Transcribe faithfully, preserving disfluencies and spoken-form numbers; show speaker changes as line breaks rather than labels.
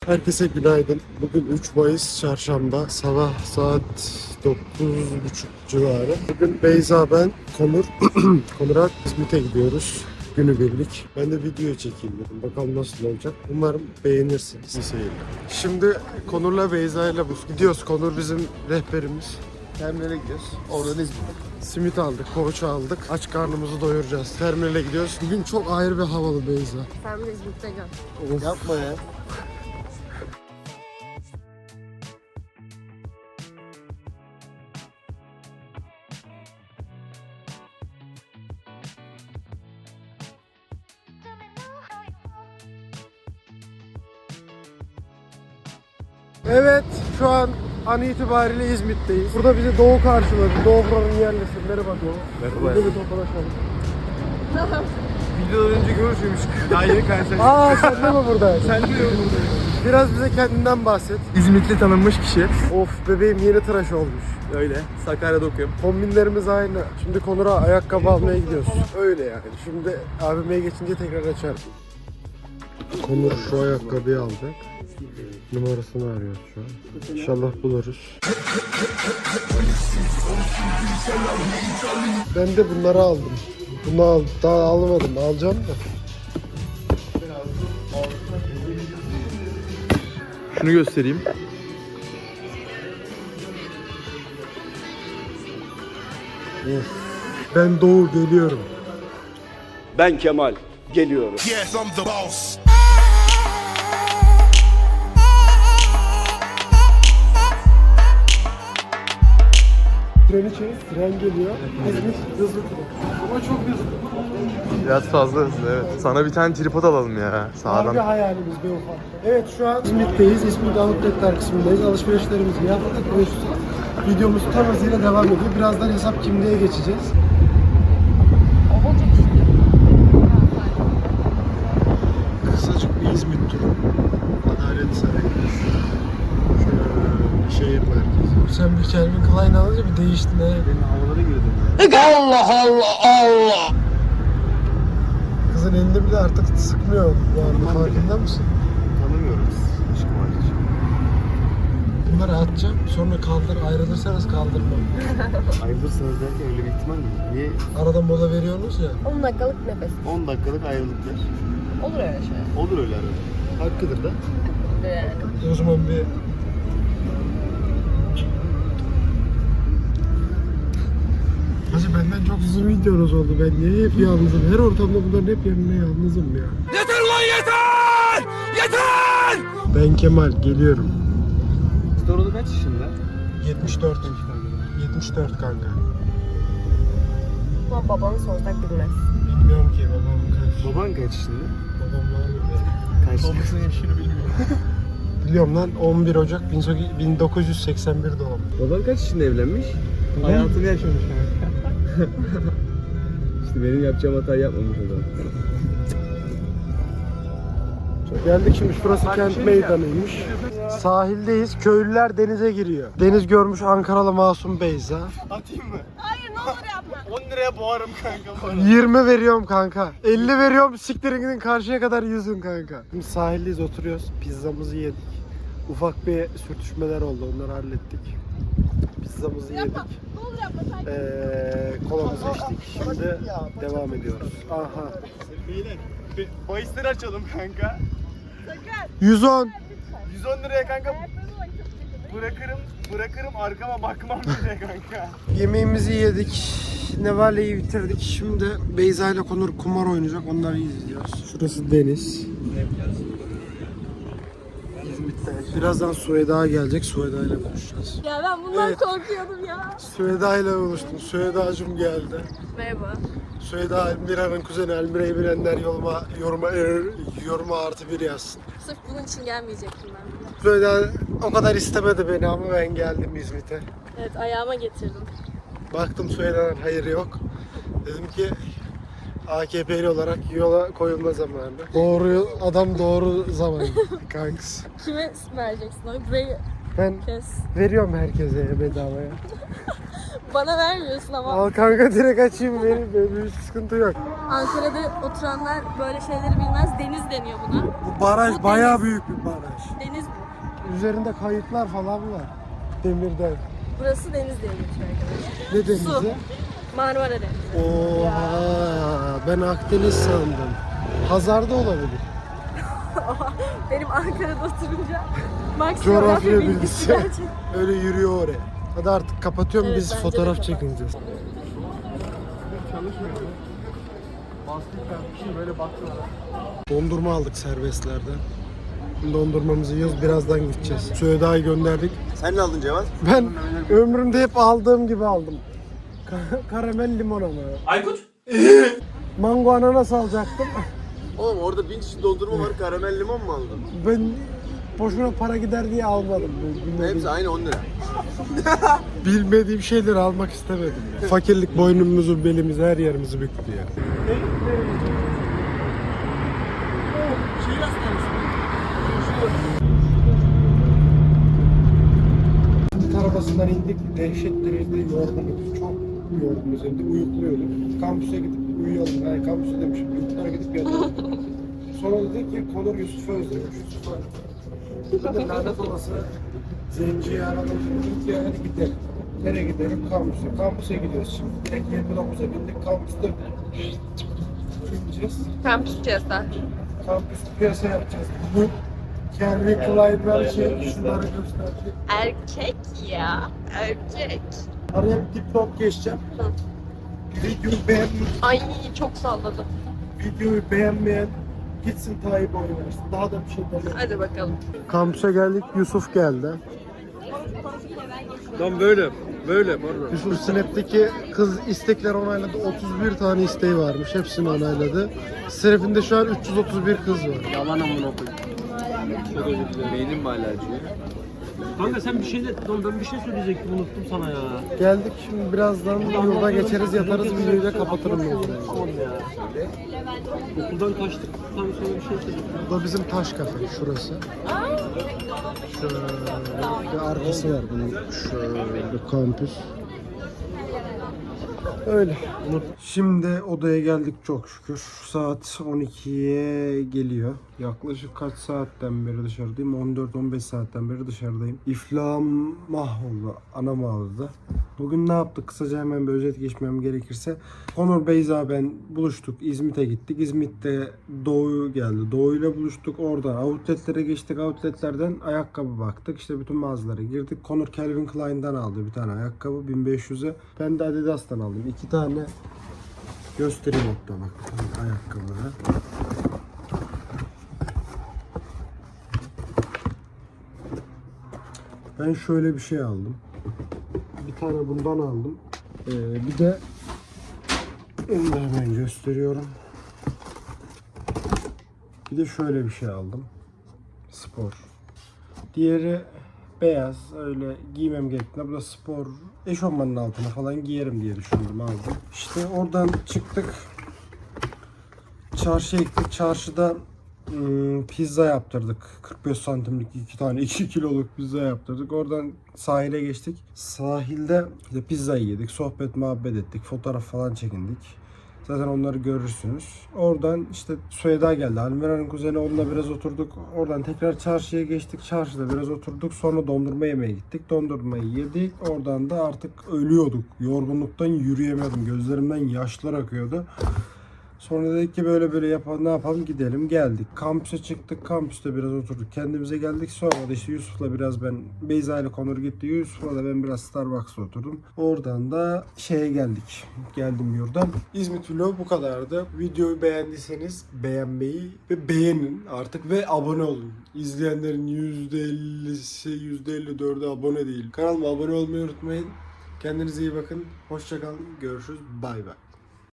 Herkese günaydın. Bugün üç Mayıs Çarşamba. Sabah saat dokuz buçuk civarı. Bugün Beyza, ben, Konur, Konur'a İzmit'e gidiyoruz. Günübirlik. Ben de video çekeyim dedim. Bakalım nasıl olacak. Umarım beğenirsiniz. İyi seyirler. Şimdi Konur'la Beyza'yla gidiyoruz. Konur bizim rehberimiz. Terminale gidiyoruz. Oradan İzmit'e. Simit aldık, poğaça aldık. Aç karnımızı doyuracağız. Terminale gidiyoruz. Bugün çok ayrı bir havalı Beyza.
Sen de İzmit'te gör.
Of. Yapma ya. Evet, şu an an itibariyle İzmit'teyiz. Burada bizi Doğu karşıladı. Doğu buranın yerlisi. Merhaba Doğu.
Merhaba.
Burada bir tokalaşalım.
Videodan önce görüşmüştük. Daha yeni karşılaştık.
Aa, sen de mi buradaydın?
Sen de mi buradaydın?
Biraz bize kendinden bahset.
İzmitli tanınmış kişi.
Of, bebeğim yeni tıraş olmuş.
Öyle. Sakarya'da okuyorum.
Kombinlerimiz aynı. Şimdi Konur'a ayakkabı almaya gidiyoruz. Öyle yani. Şimdi abime geçince tekrar açarım. Konur şu ayakkabıyı alacak. Numarasını arıyoruz şu an. İnşallah buluruz. Ben de bunları aldım. Bunu al, daha almadım. Alacağım da.
Şunu göstereyim.
Of. Ben Doğu geliyorum.
Ben Kemal geliyorum.
Yes, I'm the boss.
Treni çek, tren geliyor. İzmit hızlı tren. Ama çok hızlı.
Biraz fazla hızlı, evet. Sana bir tane tripod alalım ya.
Harbi
Sağdan.
hayalimiz be ufak. Evet, şu an İzmit'teyiz. İzmit Outlet'ler kısmındayız. Alışverişlerimizi yaptık ve şu videomuz tam hızıyla devam ediyor. Birazdan hesap kimliğe geçeceğiz. Kısacık bir İzmit turu. Adalet Sarayı. Şöyle şehir merkezi. Sen bir Calvin Klein alınca bir değiştin he.
Benim havalara girdim.
Allah Allah Allah! Kızın elinde bile artık sıkmıyor. Yani farkında mısın?
Tanımıyoruz. Aşkım hariç.
Bunları atacağım, sonra kaldır, ayrılırsanız kaldırmam.
Ayrılırsanız derken öyle bir ihtimal mi? Niye?
Arada mola veriyorsunuz ya.
on dakikalık nefes.
on dakikalık ayrılıklar.
Olur öyle şey.
Olur öyle arada. Hakkıdır da.
Yani.
O zaman bir... Hacı, benden çok uzun videonuz oldu. Ben niye hep yalnızım? Her ortamda bunların hep yanına yalnızım ya.
Yeter lan yeter! Yeter!
Ben Kemal, geliyorum.
Storolu kaç yaşında?
yetmiş dört. yetmiş dört kanka.
Ama babanı sorsak bilmez.
Bilmiyorum ki babam kaç.
Baban kaç yaşında?
Babam var mı?
Kaç? Babasının yaşını bilmiyorum.
Biliyorum lan, on bir Ocak bin dokuz yüz seksen bir doğum.
Baban kaç yaşında evlenmiş? Hayatını yaşamış yani. İşte benim yapacağım hatayı yapmamış o zaman.
Geldik şimdi, şurası kent meydanıymış. Sahildeyiz, köylüler denize giriyor. Deniz görmüş Ankaralı masum Beyza.
Atayım mı?
Hayır, ne olur yapma.
on liraya boğarım kanka.
yirmi veriyorum kanka. elli veriyorum, siktirin gidin karşıya kadar yüzün kanka. Şimdi sahildeyiz, oturuyoruz. Pizzamızı yedik. Ufak bir sürtüşmeler oldu, onları hallettik. Pizzamızı yedik.
Ne olur yapma. Sen
Ee, kolamızı içtik. Şimdi devam ediyoruz. Aha.
Beyler, bir bahisleri açalım kanka.
yüz on.
yüz on liraya kanka bırakırım, bırakırım arkama bakmam bile kanka.
Yemeğimizi yedik. Nevale'yi bitirdik. Şimdi Beyza ile Konur kumar oynayacak. Onları izliyoruz. Şurası deniz. İzmit'te. Birazdan Sueda gelecek. Sueda ile buluşacağız.
Ya ben bundan
Evet.
korkuyordum ya.
Sueda ile buluştum. Sueda'cığım geldi.
Merhaba.
Sueda Elmira'nın kuzeni. Elmira'yı bilenler yoruma, yoruma, yoruma artı bir yazsın.
Sırf bunun için gelmeyecektim ben.
Sueda o kadar istemedi beni ama ben geldim İzmit'e.
Evet, ayağıma getirdim.
Baktım Sueda'dan hayır yok. Dedim ki A K P'li olarak yola koyulma zamanı. Doğru adam, doğru zaman kanks.
Kime vereceksin oyu? Burayı
Ben
kes.
veriyorum herkese bedavaya.
Bana vermiyorsun ama.
Al kanka direkt açayım benim. Böyle bir sıkıntı yok.
Ankara'da oturanlar böyle şeyleri bilmez. Deniz deniyor buna.
Bu baraj
Bu
bayağı
deniz.
büyük bir baraj.
Deniz bu.
Üzerinde kayıtlar falan var. Demirden.
Burası deniz diye geçiyor arkadaşlar.
Ne denizi?
Su. Marmara Denizi.
Oha, ben Akdeniz sandım. Hazarda olabilir.
Benim Ankara'da oturunca Max
Coğrafya
coğrafya bilgisi
bilgisi.
gerçekten.
Öyle yürüyor oraya. Hadi artık kapatıyorum,
Evet,
biz
bence
fotoğraf
de kapat.
çekineceğiz.
Çalışmıyor mu? Bastık ben bir şey böyle baktılar.
Dondurma aldık serbestlerden. Şimdi dondurmamızı yiyoruz, birazdan gideceğiz. Süheyda'yı gönderdik.
Sen ne aldın Cevat?
Ben ömrümde hep aldığım gibi aldım. Ka- karamel limon ama.
Aykut?
Mango ananas alacaktım.
Oğlum orada bin çeşit dondurma var, karamel limon mu aldın?
Ben boşuna para gider diye almadım. Bilmediğim,
Hepsi aynı on lira.
bilmediğim şeyleri almak istemedim ya. Fakirlik boynumuzu, belimizi, her yerimizi büktü ya. Sırt arabasından indik. Dehşet derecede yorgunuz. Çok yorgunuz. Hem de uyukluyorduk. Kampüse gidip uyuyalım. Yani kampüse demişim. Yurtlara gidip yatalım. Sonra dedik ki Konur Yusuf'u özlemiş. Yusuf'a. Dedim lanet olası. Zenciyi aradım. Dedik ki hadi gidelim. Nereye gidelim? Kampüse. Kampüse gidiyoruz şimdi. Direkt yirmi dokuza bindik. Kampüste gideceğiz.
Kampüs piyasa.
Kampüs piyasa yapacağız. Bu Calvin Klein'ler şey, şunları gösterdi.
Erkek ya. Erkek.
Araya bir dipnot geçeceğim. Videoyu beğenmeyen,
Ay çok salladım.
videoyu beğenmeyen gitsin Tayyip oynasın. Daha da bir şey demem.
Hadi bakalım.
Kampüse geldik, Yusuf geldi.
Tam böyle, böyle pardon.
Yusuf Snap'teki kız istekler onayladı. otuz bir tane isteği varmış. Hepsini onayladı. Snap'inde şu an üç yüz otuz bir kız var.
Yalan amına koyayım. Beynim mi hala acıyor?
Kanka sen bir şey de, Lan ben bir şey söyleyecektim unuttum sana ya.
Geldik, şimdi birazdan yolda geçeriz, yatarız, videoyu da kapatırım ben.
Tamam ya. Okuldan kaçtıktan sonra bir şey söyledim.
Bu da bizim taş kafe, şurası. Şöyle bir arkası var bunun. Şöyle kampüs. Öyle. Şimdi odaya geldik çok şükür. Saat on ikiye geliyor. Yaklaşık kaç saatten beri dışarıdayım? on dört on beş saatten beri dışarıdayım. İflahım mahvoldu. Anam ağladı. Bugün ne yaptık? Kısaca hemen bir özet geçmem gerekirse. Onur, Beyza, ben buluştuk. İzmit'e gittik. İzmit'te Doğu geldi. Doğu'yla buluştuk. Oradan outletlere geçtik. Outletlerden ayakkabı baktık. İşte bütün mağazalara girdik. Konur Calvin Klein'den aldı bir tane ayakkabı bin beş yüze. Ben de Adidas'tan aldım. İki tane göstereyim hatta bak. Ayakkabıları. Ben şöyle bir şey aldım. Bir tane bundan aldım. Ee, bir de onu da hemen gösteriyorum. Bir de şöyle bir şey aldım. Spor. Diğeri beyaz. Öyle giymem gerektiğinde. Bu da spor. Eşofmanın altına falan giyerim diye düşündüm, aldım. İşte oradan çıktık. Çarşıya gittik. Çarşıda Hmm, pizza yaptırdık. kırk beş santimlik iki tane iki kiloluk pizza yaptırdık. Oradan sahile geçtik. Sahilde işte pizza yedik. Sohbet muhabbet ettik. Fotoğraf falan çekindik. Zaten onları görürsünüz. Oradan işte Süheyda geldi. Almira'nın kuzeni, onunla biraz oturduk. Oradan tekrar çarşıya geçtik. Çarşıda biraz oturduk. Sonra dondurma yemeye gittik. Dondurmayı yedik. Oradan da artık ölüyorduk. Yorgunluktan yürüyemiyordum. Gözlerimden yaşlar akıyordu. Sonra dedik ki böyle böyle yapalım, ne yapalım, gidelim. Geldik. Kampüse çıktık. Kampüste biraz oturduk. Kendimize geldik. Sonra da işte Yusuf'la biraz ben, Beyza ile Konur gitti. Yusuf'la da ben biraz Starbucks'ta oturdum. Oradan da şeye geldik. Geldim yurdan. İzmit vlogu bu kadardı. Videoyu beğendiyseniz beğenmeyi ve beğenin artık ve abone olun. İzleyenlerin yüzde ellisi, yüzde elli dördü abone değil. Kanalıma abone olmayı unutmayın. Kendinize iyi bakın. Hoşça kalın. Görüşürüz. Bay bay.